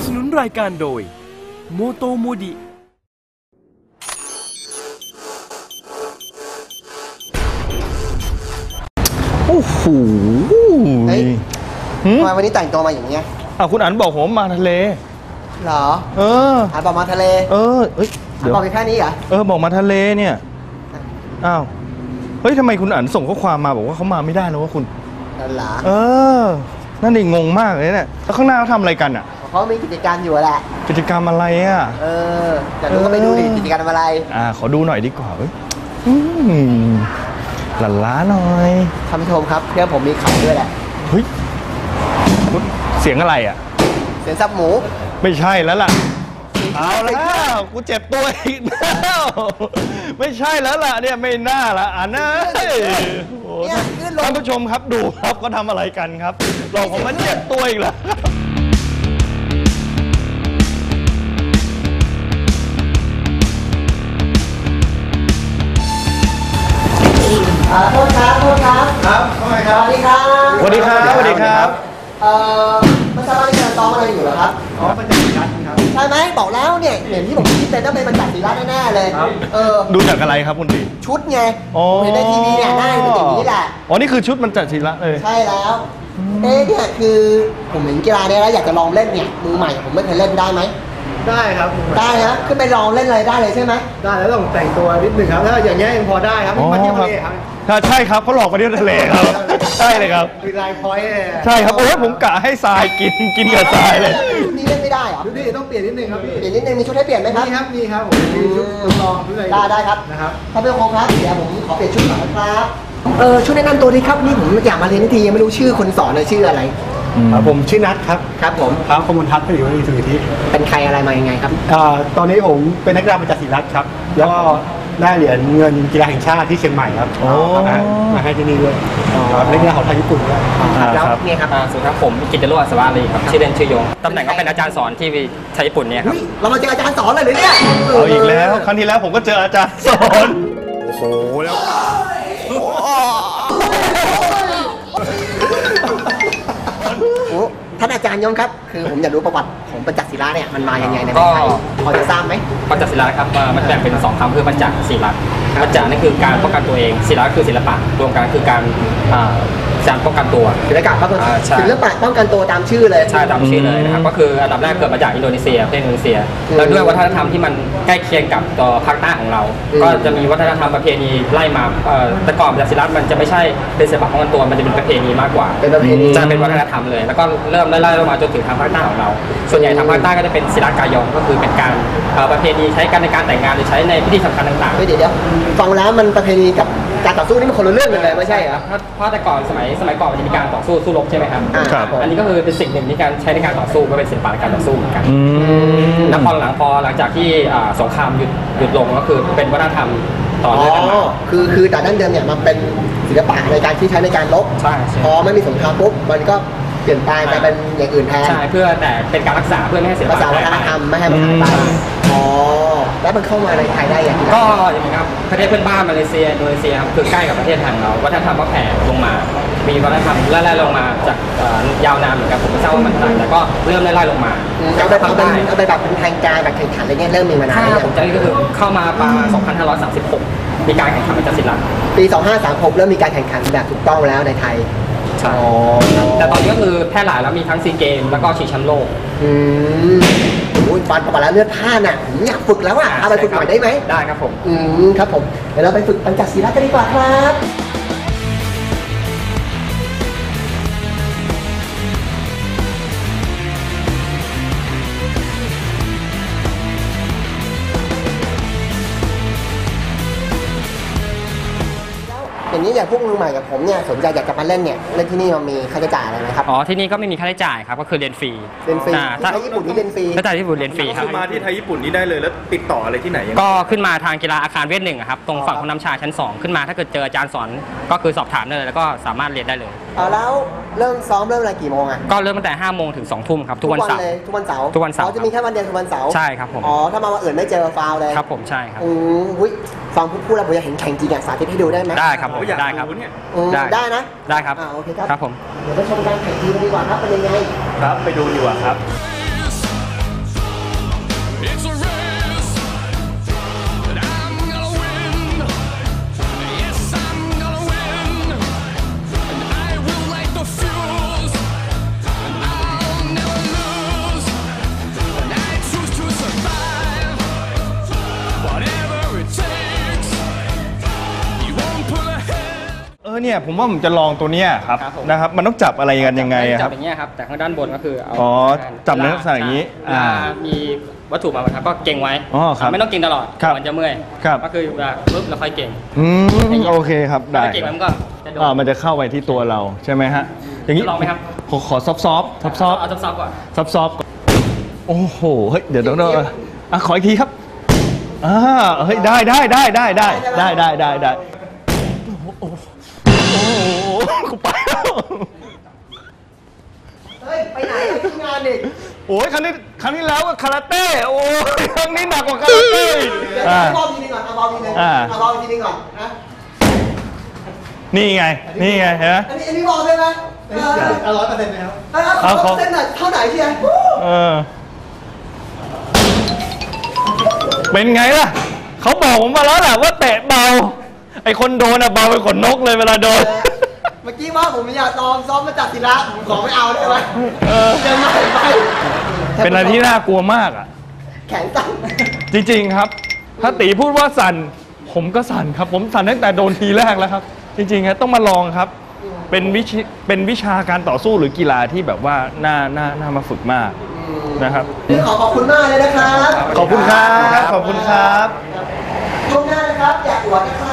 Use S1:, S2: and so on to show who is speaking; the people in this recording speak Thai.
S1: นุนรายการโดยโมโตโมดิ
S2: โอ้โห
S3: เฮ้ยทำไมวันนี้แต่งตัวมาอย่างเงี้ย
S2: คุณอั๋นบอกผมมาทะเล
S3: เหรออั๋นบอกมาทะเล
S2: เฮ้ย
S3: อั๋นบอกแค่นี้เหรอ
S2: บอกมาทะเลเนี่ยอ้าวเฮ้ยทำไมคุณอั๋นส่งข้อความมาบอกว่าเขามาไม่ได้นะว่าคุณ
S3: นั่นเหรอ
S2: นั่นดิงงมากเลยเนี่ยแล้วข้างหน้าเขาทำอะไรกันอ่ะ
S3: เขามีกิจกรรมอยู่แหละ
S2: กิจกรรมอะไรอ่ะ
S3: แต่ดูก็ไปดูดิกิจกรรมอะไร
S2: ขอดูหน่อยดีกว่าหลั่นล้าหน่อย
S3: ท่านผู้ชมครับเพื่อนผมมีข่าวด้วยแหละ
S2: เฮ้ยเสียงอะไรอ่ะ
S3: เสียงซับหมู
S2: ไม่ใช่แล้วล่ะเอาแล้วกูเจ็บตัวอีกแล้วไม่ใช่แล้วล่ะเนี่ยไม่น่าละนะท่านผู้ชมครับดูครับก็ทำอะไรกันครับหลอกผมมันเจ็บตัวอีกแล้ว
S3: โทษครับ
S2: ครับทำไมครับ
S3: สวัสดีครับ
S2: สวัสดีครับ
S3: ไม่ทราบว่าที่กำลังซ้อมอะไรอยู่เหรอครับ
S2: บรรจักศิลป์ครับ
S3: ใช่ไหมบอกแล้วเนี่ยเห็นที่ผมคิดเป็นต้องเป็นบรรจักศิลป์แน่ๆเลย
S2: ดูจากอะไรครับคุณตี
S3: ชุดไงเห็นในทีวีเนี่ยหน้าเป็นอย่างนี้แหละ
S2: นี่คือชุดบรรจักศิลป์เลย
S3: ใช่แล้วเนี่ยคือผมเห็นกีฬาเนี่ยแล้วอยากจะลองเล่นเนี่ยมือใหม่ผมไม่เคยเล่นได้ไหม
S4: ได้ครับ
S3: ได้นะขึ้นไปลองเล่นอะไรได้เลยใช่ไหม
S4: ได้แล้วต้องแต่งตัวนิดหนึ่งครับถ้าอย่างเงี้ยยังพอได้ครับมาเที่ยวทะเลครับ
S2: ใช่ครับเขาหลอกมาเที่ยวทะเลครับใช่เลยครับ
S4: มีลายพอยต์
S2: ใช่ครับผมกะให้ทรายกินกับทรายเลย
S3: ชุดนี้เล่นไม่ได้เหรอ
S4: ชุดนี้ต้องเปลี่ยนนิดนึงครับพี่
S3: เปลี่ยนนิดนึงมีชุดให้เปลี่ยนไหมครับ
S4: มีครับผมมีชุดลองชุดอะไร
S3: ได้ครับ
S4: นะครับ
S3: ท่านผู้ชมครับเดี๋ยวผมขอเปลี่ยนชุดก่อนนะครับชุดแนะนำตัวดีครับนี่ผมอยากมาเรียนทียังไม่รู้ชื่อคนสอนเลยชื่ออะไร
S4: ผมชื่อนัท
S3: ครับผม
S4: ครับขมลทัศน์ผลิตวัฒนสุทธิ
S3: เป็นใครอะไรมายังไงครับ
S4: ตอนนี้ผมเป็นนักกีฬาบรรจักศิลป์ครับแล้วก็ได้เหรียญเงินกีฬาแห่งชาติที่เชียงใหม่ครับมาให้ที่นี่ด้วยเล่นกีฬาของไทยญี่ปุ่นด้วย
S3: แล้วนี่ครับ
S5: สวัสดีครับผมกิตติโรจน์อัศวารีครับชื่อเล่นชื่อยงตำแหน่งก็เป็นอาจารย์สอนที่ไทยญี่ปุ่นเนี่ยครับ
S3: เรามาเจออาจารย์สอนเลยเนี่ย
S2: เอาอีกแล้วครั้งที่แล้วผมก็เจออาจารย์สอนโอ้โหแล้ว
S3: ท่านอาจารย์ยงครับคือผมอยากรู้ประวัติของบรรจักศิลป์เนี่ยมันมาอย่างไงในประเทศไทยพอจะทราบไหม
S5: บรรจักศิลป์ครับมันแบ่งเป็น2คำคือบรรจักศิลป์บรรจักนั่นคือการป้องกันตัวเองศิลป์คือศิลปะรวมกันคือการป้องกันตัว
S3: ศิลปะป้องกันตัวตามชื่อเลย
S5: ใช่ตามชื่อเลยนะครับก็คืออันดับแรกเกิดมาจากอินโดนีเซียประเทศอินโดนีเซียแล้วด้วยวัฒนธรรมที่มันใกล้เคียงกับตัวภาคใต้ของเราก็จะมีวัฒนธรรมประเพณีไล่มาแต่ก่อนบรรจักศิลป์มันจะไม่ใช่เป็นศิลปะป้องกันตัวมันจะเป็นประเพณีมากกว่า
S3: เป็นประเพณี
S5: จะเป็นวัฒนธรรมเลยแล้วก็เริ่มไล่ลงมาจนถึงทางภาคใต้ของเราส่วนใหญ่ทางภาคใต้ก็จะเป็นศิลปะกายองก็คือเป็นการประเพณีใช้กันในการแต่งงานหรือใช้ในพิธีสำคัญต่างๆ
S3: เดี๋ยวฟังแล้วมันประเพณีกับการต่อสู้นี่มันคนละเรื่องกันเลยไม่ใช่เหรอ
S5: เพราะแต่ก่อนสมัยก่อนมันจะมีการต่อสู้รบใช่ไหมครับอันนี้ก็คือเป็นสิ่งหนึ่งที่การใช้ในการต่อสู้ก็เป็นศิลปะในการต่อสู้เหมือนกันแล้วพอหลังจากที่สงครามหยุดลงก็คือเป็นวัฒนธรรมต่อเนื่องกันมา
S3: คือแต่ดั้งเดิมเนี่ยมันเป็นศิลปะในการที่ใช้ในการรบพอไม่มีสงครามปุ๊บมันก็เปลี่ยนแปลงไปเป็นอย่างอื่นแทน
S5: ใช่เพื่อแต่เป็นการรักษาเพื่อไม่ให้ศิลปะ
S3: รักษาวัฒนธรรมไม่ให้มันหายไปแล้วมันเข้ามาในไทยได้อย่างไร
S5: ก็อย่างนี้ครับประเทศเพื่อนบ้านมาเลเซียอินโดนีเซียครับคือใกล้กับประเทศไทยเราวัฒนธรรมก็แผ่ลงมามีวัฒนธรรมไล่ลงมาจากยาวนานเหมือนกันผมไม่ทราบว่ามันแต่ก็เริ่มไล่ลงมา
S3: เอาไปแบบเป็นทางการแบบแข่งขันอะไรเงี้ยเริ่มมีมานานแล้ว
S5: ผมจำได้ก็คือเข้ามาปี2536มีการแข่งขันบรรจักศิลป์
S3: ปี2536เริ่มมีการแข่งขันแบบถูกต้องแล้วในไทย
S5: ใช่แต่ตอนนี้ก็คือแพร่หลายแล้วมีทั้งซีเกมแล้วก็ชิงแชมป์โลก
S3: ฟันประมาณแล้วเลือดผ้าน่ะผมอยากฝึกแล้วเอาไปฝึกหน่อยได้ไหม
S5: ได้ครับผม
S3: ครับผมเดี๋ยวเราไปฝึกบรรจักศิลป์กันดีกว่าครับอย่างนี้อย่างพวกมือใหม่กับผมเนี่ยสนใจอยากจะมาเล่นเนี่ยเล่นที่นี่มันมีค่าใช้จ่ายอะไรไหมครับ
S5: ที่นี่ก็ไม่มีค่าใช้จ่ายครับก็คือเรียนฟรี
S3: ถ้าญี่ปุ่นนี่เรียนฟรี
S5: ถ้าที่ญี่ปุ่นเรียนฟรีครับ
S2: มาที่ไทยญี่ปุ่นนี่ได้เลยแล้วติดต่ออะไรที่ไหน
S5: ก็ขึ้นมาทางกีฬาอาคารเวท1ครับตรงฝั่งของน้ำชาชั้น2ขึ้นมาถ้าเกิดเจออาจารย์สอนก็คือสอบถามได้เลยแล้วก็สามารถเรียนได้เลย
S3: แล้วเริ่มซ้อมเริ่มอะไรกี่โมง
S5: ก็เริ่มตั้งแต่5 โมงถึง2 ทุ่มครับทุกวันเสาร์
S3: ทุกวันเสาร์จะมีแค่วันเดียวคือวันเสาร์
S5: ใช่ครับผม
S3: ถ้ามาวันอื่นไม่เจอฟาวเลย
S5: ครับผมใช่ครับ
S3: ฟังพูดแล้วผมอยากเห็นแข่งจริงสาธิตให้ดูได้ไหม
S5: ได้ครับได้ครับ
S3: ได้นะ
S5: ได้ครับ
S3: โอเคครับ
S5: ครับผม
S3: เดี๋ยวไปชมการแข่งจริงดีกว่าครับเป็นยังไง
S2: ครับไปดูดีกว่าครับ
S6: It's a race that I'm gonna win. Yes, I'm gonna win. And I will light the fuse. And I'll never lose. And I choose to survive. Whatever it takes. You won't pull ahead.
S2: เนี่ยผมว่าผมจะลองตัวเนี้ยครับ
S5: ครับผม
S2: นะครับมันต้องจับอะไรกันยังไงอะค
S5: จั
S2: รั
S5: บบ อย่างเงี้ยครับแต่ข้างด้านบนก็คือเอา
S2: อ๋อจับในลักษณะอย่างนี้
S5: เวลามีวัตถุมาครับก็เก่งไว้
S2: อ๋อครับ
S5: ไม่ต้องเก่งตลอด
S2: ครับ
S5: มันจะเมื่อย
S2: ครับ
S5: ก็คือเวลาปุ๊บเราค่อยเก่ง
S2: โอเคครับได้
S5: ถ้าเก่งแล้วมันก็จะโดน
S2: มันจะเข้าไปที่ตัวเราใช่ไหมฮะอย่างนี้
S5: จะลองไหมครับ
S2: ขอซอฟต์
S5: เอาซอฟต์ๆก่อน
S2: ซอฟต์โอ้โหเฮ้ยเดี๋ยวขออีกทีครับเฮ้ยได้โอ้โหกูไปแล้ว
S3: เฮ้ย ไปไหนที่งานอีก
S2: โอ้ยครั้งนี้แล้วก็คาราเต้โอ้ยครั้งนี้หนักกว่าคาราเต้
S3: เดี๋ยวเอาบอลทีนึงก่อนเอาบอลทีนึงเอาบอลทีนึงก่อนนะ
S2: นี่ไงเห็นไหม
S3: อันนี้บอลใช่ไหม
S4: เอา100%ไหมครับ
S3: เอาเส้นไหนเท่าไหนเชียร์
S2: เป็นไงล่ะเขาบอกผมมาแล้วแหละว่าเตะเบาไอคนโดนอะเบาไปขนนกเลยเวลาโดน
S3: เมื่อกี้ว่าผมอยากซ้อมมาจากศิลาผมขอไม่เอาได้ไหมเดินมาไป
S2: เป็นอะไรที่น่ากลัวมากอ่ะ
S3: แขนสั่น
S2: จริงๆครับ ถ้าตีพูดว่าสั่นผมก็สั่นครับ ผมสั่นตั้งแต่โดนทีแรกแล้วครับ จริงๆครับต้องมาลองครับ เป็นวิชาการต่อสู้หรือกีฬาที่แบบว่าน่ามาฝึกมากนะครับ
S3: ขอบคุณมากเลยนะครับ
S2: ขอบคุณครับ
S3: ช่วงหน้านะครับอยากอวดอีกครั้ง